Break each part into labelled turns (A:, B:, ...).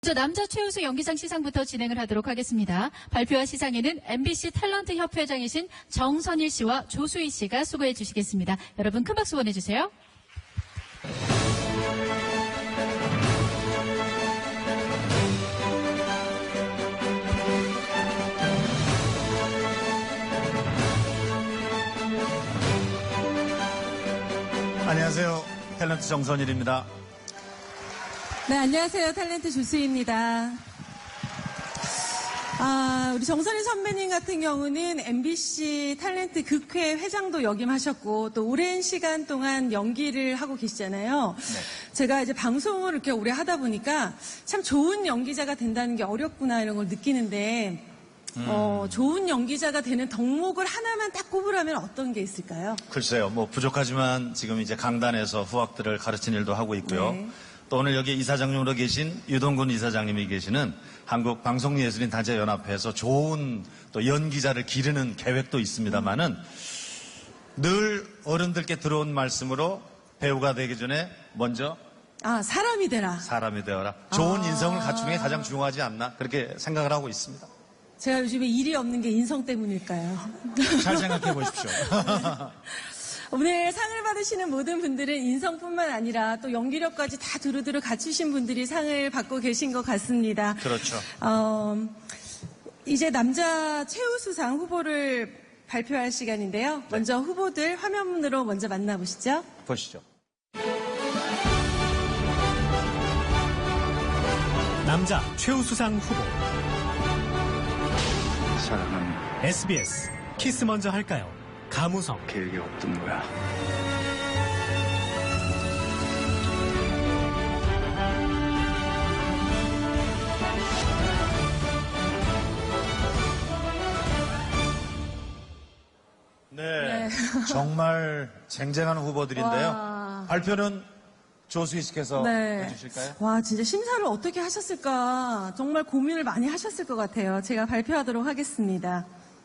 A: 먼저 남자 최우수 연기상 시상부터 진행을 하도록 하겠습니다. 발표와 시상에는 MBC 탤런트 협회장이신 정선일 씨와 조수희 씨가 수고해 주시겠습니다. 여러분 큰 박수 보내주세요.
B: 안녕하세요. 탤런트 정선일입니다.
C: 네, 안녕하세요. 탤런트 조수희입니다. 우리 정선일 선배님 같은 경우는 MBC 탤런트 극회 회장도 역임하셨고 또 오랜 시간 동안 연기를 하고 계시잖아요.
B: 네.
C: 제가 이제 방송을 이렇게 오래 하다 보니까 참 좋은 연기자가 된다는 게 어렵구나 이런 걸 느끼는데 좋은 연기자가 되는 덕목을 하나만 딱 꼽으라면 어떤 게 있을까요?
B: 글쎄요, 뭐 부족하지만 지금 이제 강단에서 후학들을 가르치는 일도 하고 있고요.
C: 네.
B: 또 오늘 여기 이사장님으로 계신 유동근 이사장님이 계시는 한국방송예술인단체연합회에서 좋은 또 연기자를 기르는 계획도 있습니다만은 늘 어른들께 들어온 말씀으로 배우가 되기 전에 먼저
C: 사람이 되라.
B: 사람이 되어라. 좋은 인성을 갖추는 게 가장 중요하지 않나 그렇게 생각을 하고 있습니다.
C: 제가 요즘에 일이 없는 게 인성 때문일까요?
B: 잘 생각해 보십시오.
C: 오늘 상을 받으시는 모든 분들은 인성뿐만 아니라 또 연기력까지 다 두루두루 갖추신 분들이 상을 받고 계신 것 같습니다.
B: 그렇죠.
C: 이제 남자 최우수상 후보를 발표할 시간인데요. 먼저 후보들 화면으로 먼저 만나보시죠.
B: 보시죠.
D: 남자 최우수상 후보
E: 사랑은
D: SBS 키스 먼저 할까요? 가무성.
E: 계획이 없던 거야.
B: 네. 정말 쟁쟁한 후보들인데요.
C: 와.
B: 발표는 조수희 씨께서 해주실까요?
C: 와, 진짜 심사를 어떻게 하셨을까? 정말 고민을 많이 하셨을 것 같아요. 제가 발표하도록 하겠습니다.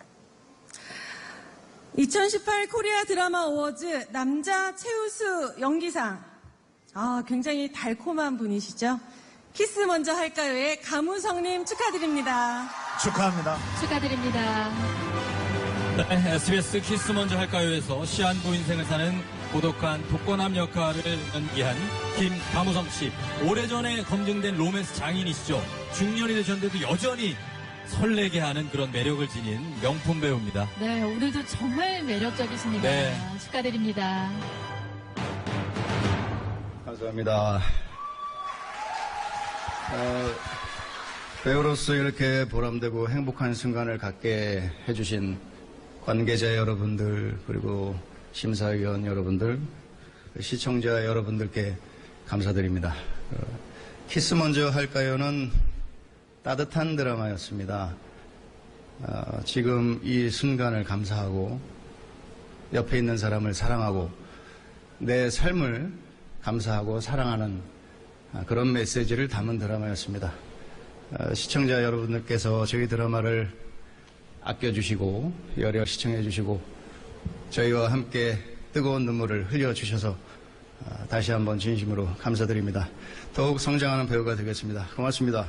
C: 2018 코리아 드라마 어워즈 남자 최우수 연기상. 굉장히 달콤한 분이시죠? 키스 먼저 할까요의 가무성님 축하드립니다.
B: 축하합니다.
A: 축하드립니다.
F: 네, SBS 키스 먼저 할까요에서 시한부 인생을 사는 고독한 독거남 역할을 연기한 김가무성 씨. 오래전에 검증된 로맨스 장인이시죠. 중년이 되셨는데도 여전히 설레게 하는 그런 매력을 지닌 명품 배우입니다.
A: 네, 오늘도 정말 매력적이십니다.
F: 네.
A: 축하드립니다.
E: 감사합니다. 배우로서 이렇게 보람되고 행복한 순간을 갖게 해주신 관계자 여러분들, 그리고 심사위원 여러분들, 시청자 여러분들께 감사드립니다. 키스 먼저 할까요는 따뜻한 드라마였습니다. 지금 이 순간을 감사하고 옆에 있는 사람을 사랑하고 내 삶을 감사하고 사랑하는 그런 메시지를 담은 드라마였습니다. 시청자 여러분들께서 저희 드라마를 아껴주시고 여려 시청해주시고 저희와 함께 뜨거운 눈물을 흘려주셔서 다시 한번 진심으로 감사드립니다. 더욱 성장하는 배우가 되겠습니다. 고맙습니다.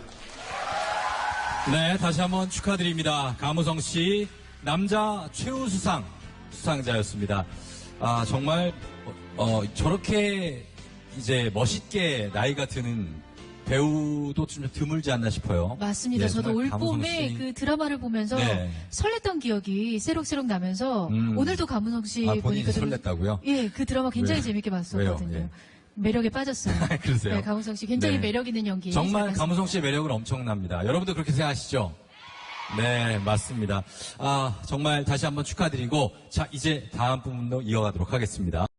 F: 네, 다시 한번 축하드립니다. 가무성 씨, 남자 최우수상 수상자였습니다. 정말 저렇게 이제 멋있게 나이가 드는 배우도 좀 드물지 않나 싶어요.
A: 맞습니다.
F: 네,
A: 저도
F: 정말
A: 올
F: 가무성
A: 봄에
F: 씨.
A: 그 드라마를 보면서
F: 네.
A: 설렜던 기억이 새록새록 나면서 오늘도 가무성 씨
F: 본인이
A: 보니까
F: 설렜다고요?
A: 예, 그 드라마 굉장히
F: 왜요?
A: 재밌게 봤었거든요.
F: 왜요? 예.
A: 매력에 빠졌어요.
F: 그러세요?
A: 네, 가무성 씨 굉장히
F: 네.
A: 매력 있는 연기.
F: 정말
A: 잘 봤습니다.
F: 가무성 씨의 매력은 엄청납니다. 여러분도 그렇게 생각하시죠? 네, 맞습니다. 정말 다시 한번 축하드리고, 자, 이제 다음 부분도 이어가도록 하겠습니다.